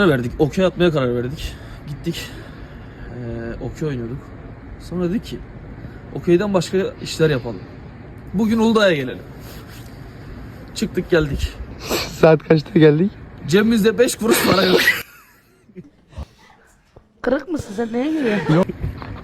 verdik. Okey atmaya karar verdik. Gittik. Okey oynuyorduk. Sonra dedik ki okeyden başka işler yapalım. Bugün Uludağ'a gelelim. Çıktık geldik. Saat kaçta geldik? Cebimizde 5 kuruş para yok. Kırık mısın sen? Neye giriyorsun? Yok.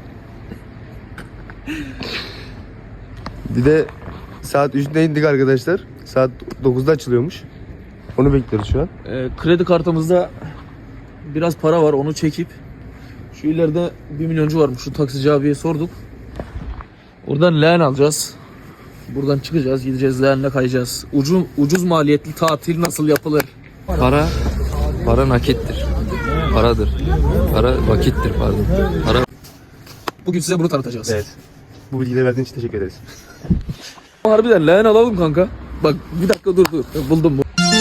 Bir de saat 3'te indik arkadaşlar. Saat 9'da açılıyormuş. Onu bekliyoruz şu an. Kredi kartımızda biraz para var, onu çekip şu ileride 1 milyoncu varmış, şu taksici abiye sorduk. Oradan leğen alacağız. Buradan çıkacağız, gideceğiz leğenle kayacağız. Ucuz maliyetli tatil nasıl yapılır? Para nakittir. Paradır. Para vakittir pardon. Para. Bugün size bunu tanıtacağız. Evet. Bu bilgileri verdiğin için teşekkür ederiz. Harbiden leğen alalım kanka. Bak bir dakika dur. Buldum bu.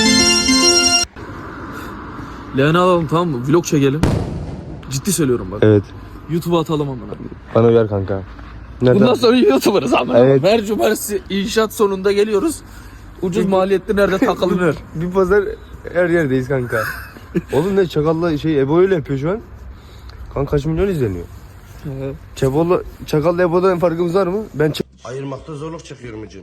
Leğen alalım, tamam mı? Vlog çekelim. Ciddi söylüyorum bak. Evet. YouTube'a atalım amına. Bana uyar kanka. Nereden? Bundan sonra YouTuber'ız amına. Evet. Her cumartesi inşaat sonunda geliyoruz. Ucuz maliyetli nerede takılınır? Bir pazar her yerdeyiz kanka. Oğlum ne Çakal'la Ebo öyle yapıyor şu an. Kanka kaç milyon izleniyor. Çakal'la Ebo'dan farkımız var mı? Ben Ayırmakta zorluk çekiyorum hocam.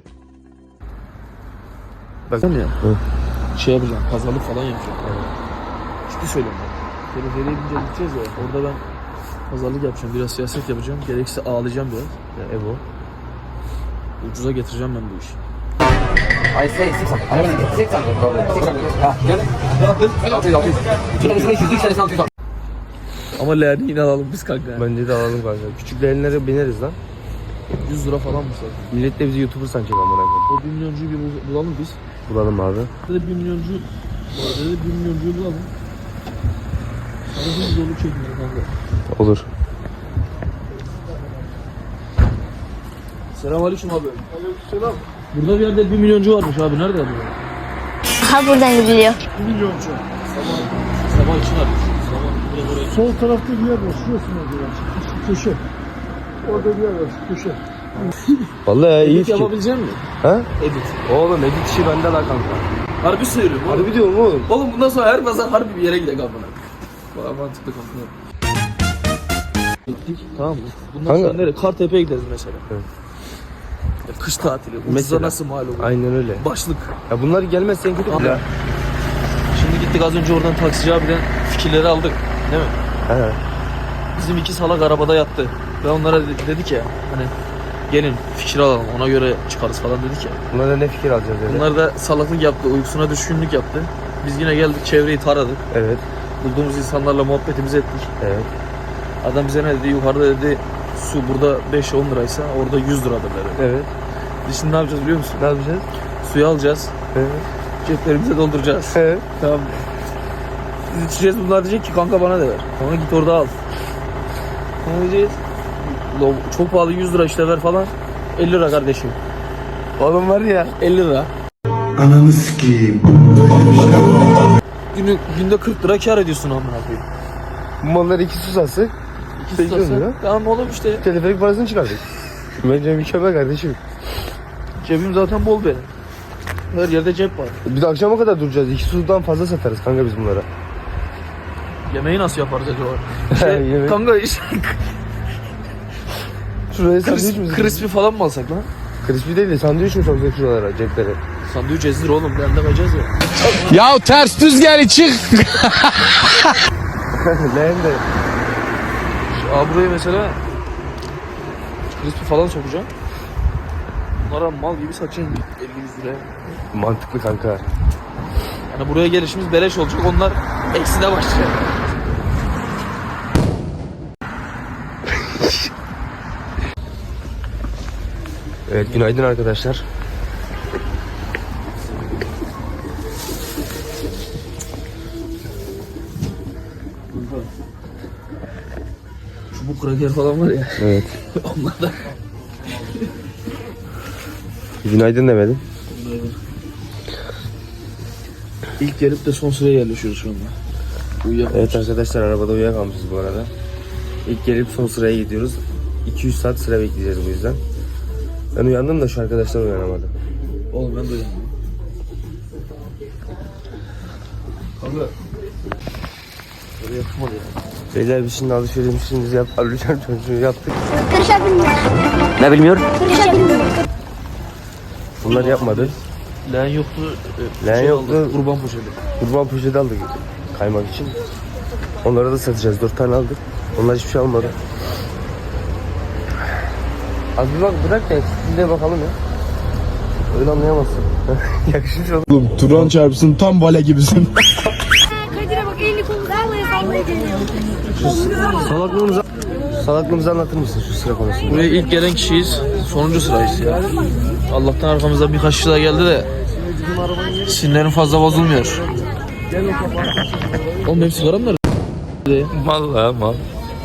Sen ya. Şey yapacağım, pazarlık falan yapacağım. Ciddi söylüyorum ben. Teleferiye gidince gideceğiz ya. Orada ben pazarlık yapacağım, biraz siyaset yapacağım. Gerekirse ağlayacağım biraz. Ya Ebo. Ucuza getireceğim ben bu işi. I say 600. I never get 600. 600. Ama leğeni yine alalım biz kanka. Bence de alalım kanka. Küçük leğenlere bineriz lan. 100 lira falan mı sadece? Millet de bizi YouTuber sanacak amına koyayım. O 1 milyoncuyu bir bulalım biz. Bulalım abi. Dedi 1 milyoncu, dedi 1 milyoncuyu bulalım. Sana hiç zorluk çekmiyor kanka. Olur. Selamünaleyküm abi. Aleykümselam. Burada bir yerde 1 milyoncu varmış abi. Nerede abi? Ha buradan gidiliyor. 1 milyoncu. Sabah için armış. Sabah biraz oraya. Sol tarafta bir yer var. Şurası mı acaba? Şu köşe. Orada bir yer var. Şu köşe. Vallahi ya, iyi Edit fikir. yapabilecek misin? Ha? Edit. Oğlum edit işi bende la kanka. Harbi söylüyorum. Oğlum. Harbi diyorum oğlum. Oğlum bundan sonra her pazar harbi bir yere gidelim abone. Bana mantıklı kanka. Gittik, tamam mı? Bundan Kanka. sonra nereye? Kartepe'ye gideriz mesela. Evet. Ya kış tatili. Ucuza Mesela. nasıl mal olur? Aynen öyle. Başlık. Ya bunlar gelmezse en kötü Abi. bile. Şimdi gittik az önce oradan taksici abiden fikirleri aldık. Değil mi? He. Bizim 2 salak arabada yattı. Ve onlara dedik ya hani gelin fikir alalım ona göre çıkarız falan dedik ya. Bunlara ne fikir alacağız dedi. Bunlar da salaklık yaptı, uykusuna düşkünlük yaptı. Biz yine geldik çevreyi taradık. Evet. Bulduğumuz insanlarla muhabbetimizi ettik. Evet. Adam bize ne dedi? Yukarıda dedi su burada 5-10 liraysa orada 100 liradır dedi. Evet. Biz şimdi ne yapacağız biliyor musun? Ne yapacağız? Suyu alacağız. Evet. Ceplerimize dolduracağız. Evet. Tamam. Biz içeceğiz, bunlar diyecek ki kanka bana da ver. Sonra git orada al. Ne diyeceğiz? Çok pahalı 100 lira işte ver falan. 50 lira kardeşim. Oğlum var ya. 50 lira. Ananı sikeyim. Günde 40 lira kar ediyorsun amına koyayım. Bu mallar 2 susası. 2 8 lira. lira. Tamam oğlum işte. Teleferik parasını çıkardık. Bence mükemmel kardeşim. Cebim zaten bol benim. Her yerde cep var. Bir de akşama kadar duracağız. 2 sudan fazla satarız kanka biz bunlara. Yemeği nasıl yaparız acaba? Yemek. Kanka işte Şuraya sandviç mi? crispy falan mı alsak lan? Crispy değil de sandviç mi sokacak şuralara ceplere? Sandviç ezdir oğlum. Ben de koyacağız ya. Ya ters düz gel çık. Leğen de. Abi buraya mesela crispy falan sokacağım. Bunlara mal gibi satacağım 50-100 liraya. Mantıklı kanka. Yani buraya gelişimiz beleş olacak. Onlar ekside başlayacak. Evet günaydın arkadaşlar. Çubuk kraker falan var ya. Evet. Onlar da. Günaydın demedim. İlk gelip de son sıraya yerleşiyoruz şu anda. Evet arkadaşlar arabada uyuyakalmışız bu arada. İlk gelip son sıraya gidiyoruz. 200 saat sıra bekleyeceğiz bu yüzden. Ben uyandım da şu arkadaşlar uyanamadı. Oğlum ben de uyandım. Kanka Yapmadı ya. Beyler biz şimdi alışverişimizi yaptık. Kırışa bilmiyor. Ne bilmiyor? Kırışa bilmiyor. Bunlar yapmadı. Leğen yoktu. Leğen yoktu. Aldık, kurban poşeti. Kurban poşeti aldık kaymak için. Onlara da satacağız. 4 tane aldık. Onlar hiçbir şey almadı. Az bir bak bırak da eksikliğine bakalım ya. Öyle anlayamazsın. Yakışmış oldu. Turan çarpsın tam vale gibisin. Kadir'e bak elini kolunu sallaya geliyor. Salaklığımızı anlatır mısın şu sıra konusunda? Buraya ilk gelen kişiyiz. Sonuncu sırayız ya. Allah'tan arkamızda birkaç kişi daha geldi de sinirlerim fazla bozulmuyor. Oğlum benim sigaram nerede? Vallahi mal.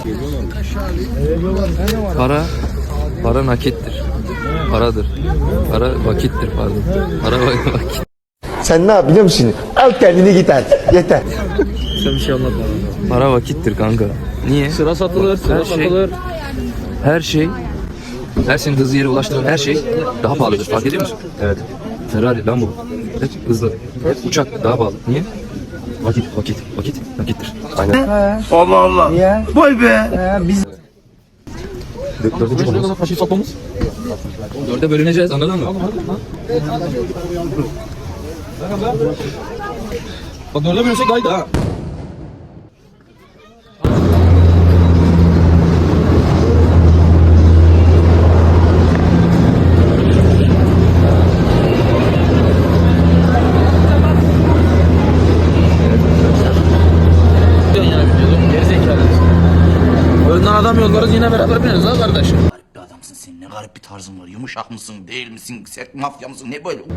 Para nakittir. Paradır. Para vakittir pardon. Para vakit. Sen ne yap biliyor musun? Al kendini git artık. Yeter. Sen bir şey anlatma. Para vakittir kanka. Niye? Sıra satılır, sıra Her şey- satılır. Her şey, her senin hızlı yere ulaştıran her şey daha pahalıdır. Fark ediyor musun? Evet. Ferrari, Lambo, hep hızlı. Hep uçak daha pahalı. Niye? Vakit nakittir. Aynen. Allah Allah. Ya. Vay be. Dördüncü konumuz. Kaşı satmamız. 4'e bölüneceğiz anladın mı? Bak 4'e bölünsek gayet ha. Önden adam yollarız yine beraber bineriz ha kardeşim. Garip bir adamsın sen. Ne garip bir tarzın var. Yumuşak mısın, değil misin? Sert mafya mısın? Ne böyle?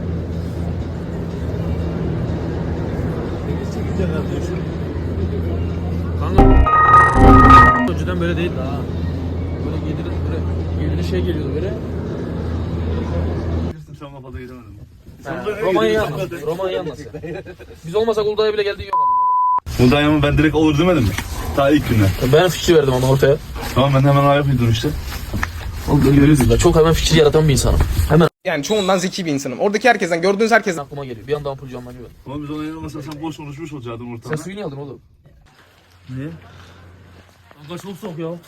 Kanka önceden böyle değildi ha. Böyle şey geliyordu böyle. Romanya nasıl? Biz olmasak Uludağ'a bile geldiği yok ama. Mudanya'mı ben direkt olur demedim mi? Ta ilk günden. Ben fikir verdim ama ortaya. Tamam ben hemen ayak uydurdum işte. Oğlum görüyorsunuz da çok hemen fikir yaratan bir insanım. Hemen Yani çoğundan zeki bir insanım. Oradaki herkesten, gördüğünüz herkesten. aklıma geliyor. Bir anda ampul canlanıyor. Ama biz ona inanmasan sen boş konuşmuş olacaktın Sen ortamda. suyu niye aldın oğlum? Niye? Kanka çok soğuk ya. Oğlum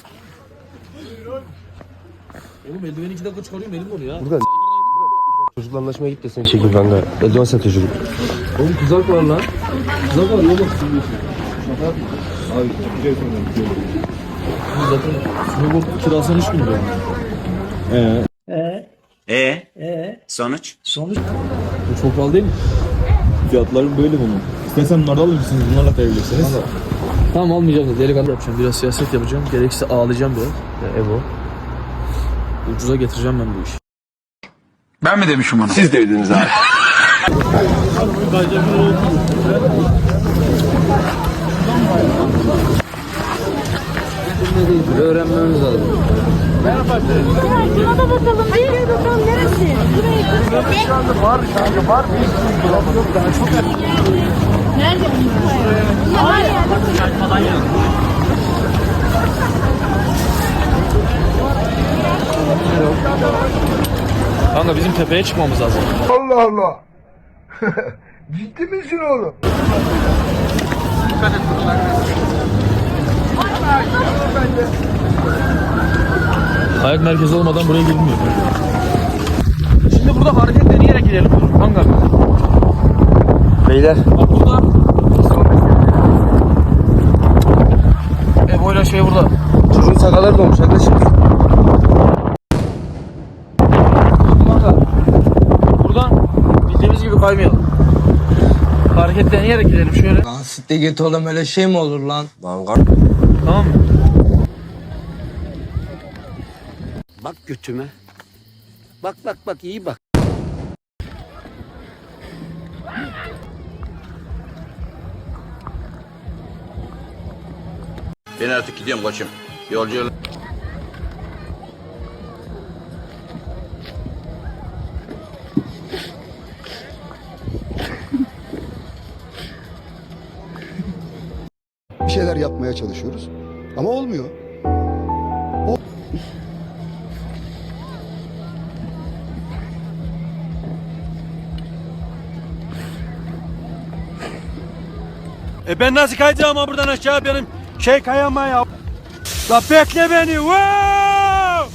eldiveni 2 dakika çıkarıyorum elim oluyor ya. Burada çocukla anlaşmaya git de seni çekil kanka. Eldiven satıyor çocuk. Oğlum kızak var lan. Kızak var oğlum. Zaten suyu kirasını 3 bin lira. Sonuç? Bu çok pahalı değil mi? Fiyatları böyle bunun. İstersen bunları alır mısınız? Bunlarla kayabilirsiniz. Tamam almayacağım da delikanlı yapacağım. Biraz siyaset yapacağım. Gerekirse ağlayacağım biraz. Ya Evo. Ucuza getireceğim ben bu işi. Ben mi demişim onu? Siz dediniz abi. Öğrenmemiz lazım. Şuna da bakalım. Hayır bakalım neresi? Nerede bunlar? Var ya. Kanka bizim tepeye çıkmamız lazım. Allah Allah. Ciddi misin oğlum? Kayak merkezi olmadan buraya girilmiyor. Şimdi burada hareket deneyerek gidelim kanka. Beyler. Bak burada. Evo'yla şey burada. Çocuğun sakalları dolmuş arkadaşım. Kanka. Buradan bildiğimiz gibi kaymayalım. Hareket deneyerek gidelim şöyle. Lan sitte git oğlum, öyle şey mi olur lan? Lan Tamam mı? Bak götüme. Bak iyi bak. Ben artık gidiyorum koçum. Yolcu Bir şeyler yapmaya çalışıyoruz. Ama olmuyor. Ben nasıl kayacağım ama buradan aşağı benim şey kayama ya. La bekle beni. Wow!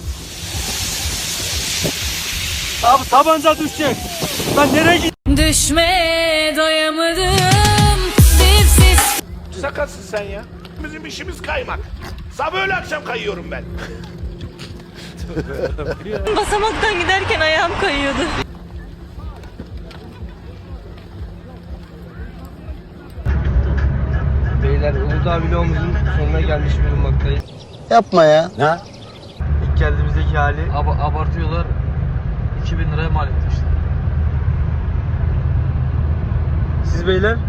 Abi tabanca düşecek. Lan nereye git? Düşmeye doyamadım. Dipsiz. Sakatsın sen ya. Bizim işimiz kaymak. Sabah öğle akşam kayıyorum ben. Basamaktan giderken ayağım kayıyordu. Beyler Uludağ vlogumuzun sonuna gelmiş bulunmaktayız. Yapma ya. İlk geldiğimizdeki hali. Abartıyorlar. 2000 liraya mal etti işte. Siz beyler?